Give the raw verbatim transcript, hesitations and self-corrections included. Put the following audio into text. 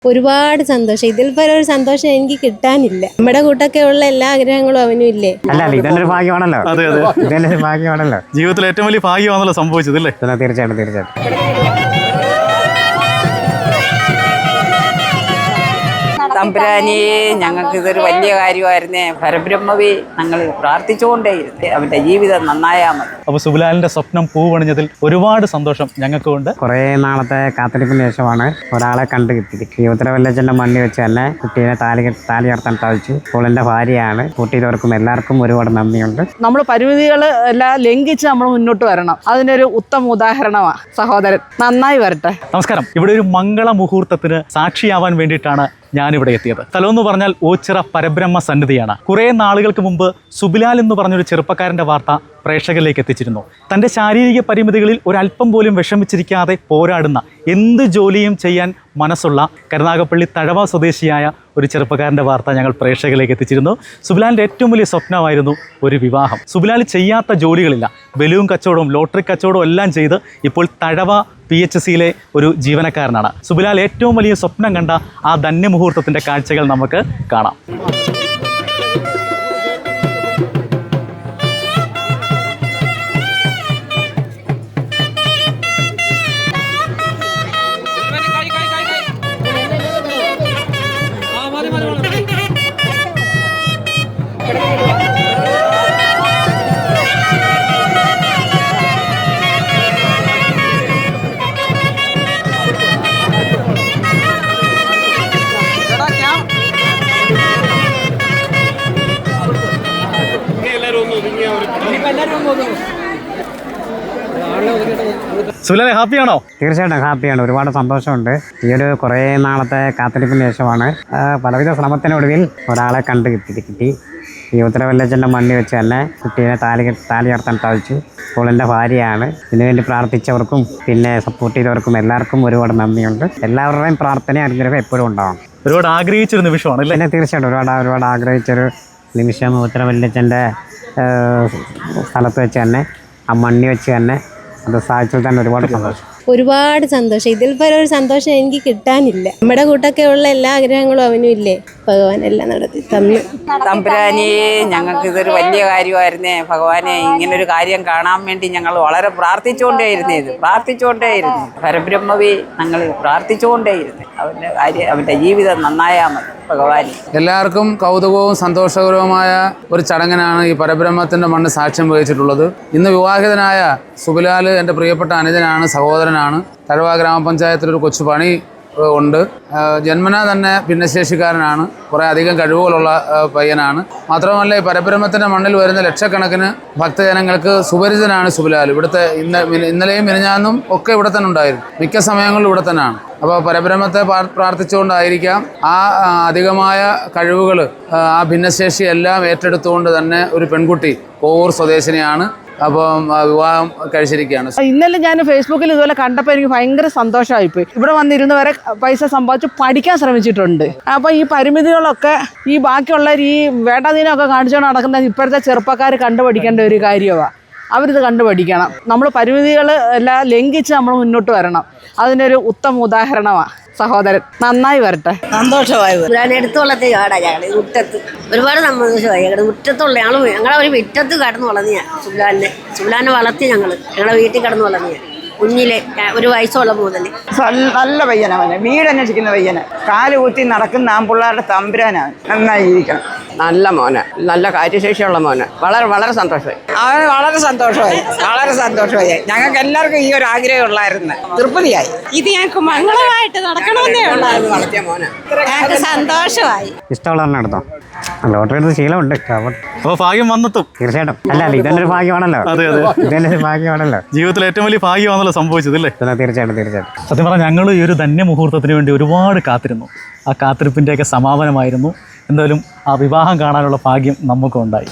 ഒരുപാട് സന്തോഷം. ഇതിൽ പരം ഒരു സന്തോഷം എനിക്ക് കിട്ടാനില്ല. നമ്മുടെ കൂട്ടൊക്കെ ഉള്ള എല്ലാ ആഗ്രഹങ്ങളും അവനും ഇല്ലേ. അല്ല ഇതൊരു ഭാഗ്യമാണല്ലോ. അതെ അതെ ഇതൊരു ഭാഗ്യമാണല്ലോ. ജീവിതത്തിൽ ഏറ്റവും വലിയ ഭാഗ്യമാണല്ലോ സംഭവിച്ചത് അല്ലേ? തീർച്ചയായിട്ടും തീർച്ചയായിട്ടും. തമ്പുരാനെ, ഞങ്ങൾക്ക് ഇതൊരു വലിയ കാര്യമായിരുന്നേ. പരബ്രഹ്മവേ, ഞങ്ങൾ പ്രാർത്ഥിച്ചുകൊണ്ടേയിരുന്നേ അവന്റെ ജീവിതം നന്നായാൽ മതി. അപ്പൊ സുബിലാലിന്റെ സ്വപ്നം പൂവണിഞ്ഞതിൽ ഒരുപാട് സന്തോഷം ഞങ്ങൾക്കുണ്ട്. കുറെ നാളത്തെ കാത്തിരിപ്പിന് ശേഷമാണ് ഒരാളെ കണ്ടു കിട്ടിയത്. ഈ ഉത്തരവല്ലച്ചന്റെ മണ്ണി വെച്ച് തന്നെ കുട്ടീനെ താലി താലി ഉയർത്താൻ സാധിച്ചു. ഇപ്പോൾ എന്റെ ഭാര്യയാണ്. കുട്ടിയവർക്കും എല്ലാവർക്കും ഒരുപാട് നന്ദിയുണ്ട്. നമ്മൾ പരിമിതികൾ എല്ലാം ലംഘിച്ച് നമ്മൾ മുന്നോട്ട് വരണം. അതിനൊരു ഉത്തമ ഉദാഹരണമാണ് സഹോദരൻ. നന്നായി വരട്ടെ. നമസ്കാരം. ഇവിടെ ഒരു മംഗള മുഹൂർത്തത്തിന് സാക്ഷിയാവാൻ വേണ്ടിയിട്ടാണ് ഞാനിവിടെ എത്തിയത്. സ്ഥലം എന്ന് പറഞ്ഞാൽ ഓച്ചിറ പരബ്രഹ്മ സന്നിധിയാണ്. കുറേ നാളുകൾക്ക് മുമ്പ് സുബിലാൽ എന്ന് പറഞ്ഞൊരു ചെറുപ്പക്കാരൻ്റെ വാർത്ത പ്രേക്ഷകരിലേക്ക് എത്തിച്ചിരുന്നു. തൻ്റെ ശാരീരിക പരിമിതികളിൽ ഒരല്പം പോലും വിഷമിച്ചിരിക്കാതെ പോരാടുന്ന, എന്ത് ജോലിയും ചെയ്യാൻ മനസ്സുള്ള കരുനാഗപ്പള്ളി തഴവ സ്വദേശിയായ ഒരു ചെറുപ്പക്കാരൻ്റെ വാർത്ത ഞങ്ങൾ പ്രേക്ഷകരിലേക്ക് എത്തിച്ചിരുന്നു. സുബിലാലിൻ്റെ ഏറ്റവും വലിയ സ്വപ്നമായിരുന്നു ഒരു വിവാഹം. സുബിലാൽ ചെയ്യാത്ത ജോലികളില്ല. ബലൂൺ കച്ചവടവും ലോട്ടറി കച്ചവടവും എല്ലാം ചെയ്ത് ഇപ്പോൾ തഴവ പി എച്ച് സിയിലെ ഒരു ജീവനക്കാരനാണ്. സുബിലാൽ ഏറ്റവും വലിയ സ്വപ്നം കണ്ട ആ ധന്യമുഹൂർത്തത്തിൻ്റെ കാഴ്ചകൾ നമുക്ക് കാണാം. സുബിലാലെ ഹാപ്പിയാണോ? തീർച്ചയായിട്ടും ഹാപ്പിയാണ്. ഒരുപാട് സന്തോഷമുണ്ട്. ഈ ഒരു കുറേ നാളത്തെ കാത്തിരിപ്പിന് ശേഷമാണ് പലവിധ ശ്രമത്തിനൊടുവിൽ ഒരാളെ കണ്ടു കിട്ടി കിട്ടി ഈ ഉത്തരവല്ലച്ചൻ്റെ മണ്ണി വെച്ച് തന്നെ കുട്ടീനെ താലി താലി ഉയർത്താൻ സാധിച്ചു. ഇപ്പോൾ എൻ്റെ ഭാര്യയാണ്. ഇതിനുവേണ്ടി പ്രാർത്ഥിച്ചവർക്കും പിന്നെ സപ്പോർട്ട് ചെയ്തവർക്കും എല്ലാവർക്കും ഒരുപാട് നന്ദിയുണ്ട്. എല്ലാവരുടെയും പ്രാർത്ഥന അനുഗ്രഹം എപ്പോഴും ഉണ്ടാവും. ഒരുപാട് ആഗ്രഹിച്ചൊരു നിമിഷമാണ് അല്ലേ? പിന്നെ തീർച്ചയായിട്ടും ഒരുപാട് ഒരുപാട് ആഗ്രഹിച്ചൊരു നിമിഷം ഉത്തരവല്ലച്ചൻ്റെ സ്ഥലത്ത് വെച്ച് തന്നെ ആ മണ്ണി വെച്ച് തന്നെ അത് സാധിച്ചതിൽ തന്നെ ഒരുപാട് സന്തോഷം. ഒരുപാട് സന്തോഷം. ഇതിൽ പരം ഒരു സന്തോഷം എനിക്ക് കിട്ടാനില്ല. നമ്മുടെ കൂട്ടൊക്കെ ഉള്ള എല്ലാ ആഗ്രഹങ്ങളും അവനും ഇല്ലേ. ഭഗവാൻ എല്ലാം നടത്തി തന്നു. തമ്പുരാനെ, ഞങ്ങൾക്ക് ഇതൊരു വലിയ കാര്യമായിരുന്നേ. ഭഗവാനെ, ഇങ്ങനൊരു കാര്യം കാണാൻ വേണ്ടി ഞങ്ങൾ വളരെ പ്രാർത്ഥിച്ചുകൊണ്ടേയിരുന്നേ ഇത് പ്രാർത്ഥിച്ചുകൊണ്ടേയിരുന്നു പരബ്രഹ്മവേ, ഞങ്ങൾ പ്രാർത്ഥിച്ചുകൊണ്ടേയിരുന്നു അവന്റെ കാര്യം അവന്റെ ജീവിതം നന്നായാൽ മതി. ഭഗവാനെ, എല്ലാവർക്കും കൗതുകവും സന്തോഷകരവുമായ ഒരു ചടങ്ങിനാണ് ഈ പരബ്രഹ്മത്തിന്റെ മണ്ണ് സാക്ഷ്യം വഹിച്ചിട്ടുള്ളത്. ഇന്ന് വിവാഹിതനായ സുബിലാൽ എൻ്റെ പ്രിയപ്പെട്ട അനുജനാണ്, സഹോദരനാണ്. തഴവ ഗ്രാമപഞ്ചായത്തിലൊരു കൊച്ചു പണി ഉണ്ട്. ജന്മനാ തന്നെ ഭിന്നശേഷിക്കാരനാണ്. കുറേ അധികം കഴിവുകളുള്ള പയ്യനാണ്. മാത്രമല്ല ഈ പരബ്രഹ്മത്തിൻ്റെ മണ്ണിൽ വരുന്ന ലക്ഷക്കണക്കിന് ഭക്തജനങ്ങൾക്ക് സുപരിചിതനാണ് സുബിലാൽ. ഇവിടുത്തെ ഇന്ന ഇന്നലെയും മിനിഞ്ഞാന്നും ഒക്കെ ഇവിടെ തന്നെ ഉണ്ടായിരുന്നു. മിക്ക സമയങ്ങളിലും ഇവിടെ തന്നെയാണ്. അപ്പോൾ പരബ്രഹ്മത്തെ പ്രാർത്ഥിച്ചുകൊണ്ടായിരിക്കാം ആ അധികമായ കഴിവുകൾ, ആ ഭിന്നശേഷി എല്ലാം ഏറ്റെടുത്തുകൊണ്ട് തന്നെ ഒരു പെൺകുട്ടി കോവൂർ സ്വദേശിനിയാണ്. അപ്പം വിവാഹം കഴിച്ചിരിക്കുകയാണ്. ഇന്നലെ ഞാൻ ഫേസ്ബുക്കിൽ ഇതുപോലെ കണ്ടപ്പോൾ എനിക്ക് ഭയങ്കര സന്തോഷമായിപ്പോയി. ഇവിടെ വന്നിരുന്ന് വരെ പൈസ സമ്പാദിച്ച് പഠിക്കാൻ ശ്രമിച്ചിട്ടുണ്ട്. അപ്പോൾ ഈ പരിമിതികളൊക്കെ ഈ ബാക്കിയുള്ളവർ ഈ വേണ്ടാതീനമൊക്കെ കാണിച്ചുകൊണ്ട് നടക്കുന്ന ഇപ്പോഴത്തെ ചെറുപ്പക്കാർ കണ്ടുപഠിക്കേണ്ട ഒരു കാര്യമാണ്. അവരിത് കണ്ടുപഠിക്കണം. നമ്മൾ പരിമിതികൾ എല്ലാം ലംഘിച്ച് നമ്മൾ മുന്നോട്ട് വരണം. അതിനൊരു ഉത്തമ ഉദാഹരണമാണ് സഹോദരൻ. നന്നായി വരട്ടെ. സന്തോഷമായത് ഞാൻ എടുത്തു വളർത്തിയ കാടാ. ഞങ്ങൾ മുറ്റത്ത് ഒരുപാട് സന്തോഷമായി. ഞങ്ങളുടെ മുറ്റത്തുള്ള ഞങ്ങൾ ഞങ്ങളെ ഒരു മുറ്റത്ത് കടന്നു വളർന്നു. ഞാൻ സുബിലാലിനെ സുബിലാലിനെ വളർത്തി. ഞങ്ങൾ ഞങ്ങളുടെ വീട്ടിൽ കടന്നു വളർന്നു. ഞാൻ കുഞ്ഞിലെ ഒരു വയസ്സുള്ള മുതൽ. നല്ല പയ്യനാണ്. വീടന്വേഷിക്കുന്ന പയ്യന്. കാല് കുത്തി നടക്കുന്ന ആൺപിള്ളേരുടെ തമ്പുരാനാണ്. നന്നായി ജീവിക്കണം. നല്ല മോന്, നല്ല കാര്യശേഷിയുള്ള മോന്. വളരെ വളരെ സന്തോഷമായി. അവന് വളരെ സന്തോഷമായി. വളരെ സന്തോഷമായി. ഞങ്ങൾക്ക് എല്ലാവർക്കും ഈ ഒരു ആഗ്രഹം ഉള്ളായിരുന്നു. തൃപ്തിയായി. ഇത് ഞങ്ങൾക്ക് മംഗളമായിട്ട് നടക്കണമെന്നേ ഉള്ളായിരുന്നു. വളർത്തിയ മോന് ഞങ്ങൾക്ക് സന്തോഷമായി. ഇഷ്ടമുള്ളവരെ നടത്താം. ലോട്ടറി എടുത്ത് ശീലമുണ്ട്. അപ്പോൾ ഭാഗ്യം വന്നെത്തും. തീർച്ചയായിട്ടും. അല്ല ഇതൊരു ഭാഗ്യമാണല്ലോ. അതെ അതെ ഇതൊരു ഭാഗ്യമാണല്ലോ. ജീവിതത്തിൽ ഏറ്റവും വലിയ ഭാഗ്യമാണല്ലോ സംഭവിച്ചത് അല്ലേ? തീർച്ചയായിട്ടും തീർച്ചയായിട്ടും. സത്യം പറഞ്ഞാൽ ഞങ്ങൾ ഈ ഒരു ധന്യമുഹൂർത്തത്തിന് വേണ്ടി ഒരുപാട് കാത്തിരുന്നു. ആ കാത്തിരിപ്പിൻ്റെയൊക്കെ സമാപനമായിരുന്നു. എന്തായാലും ആ വിവാഹം കാണാനുള്ള ഭാഗ്യം നമുക്കും ഉണ്ടായി.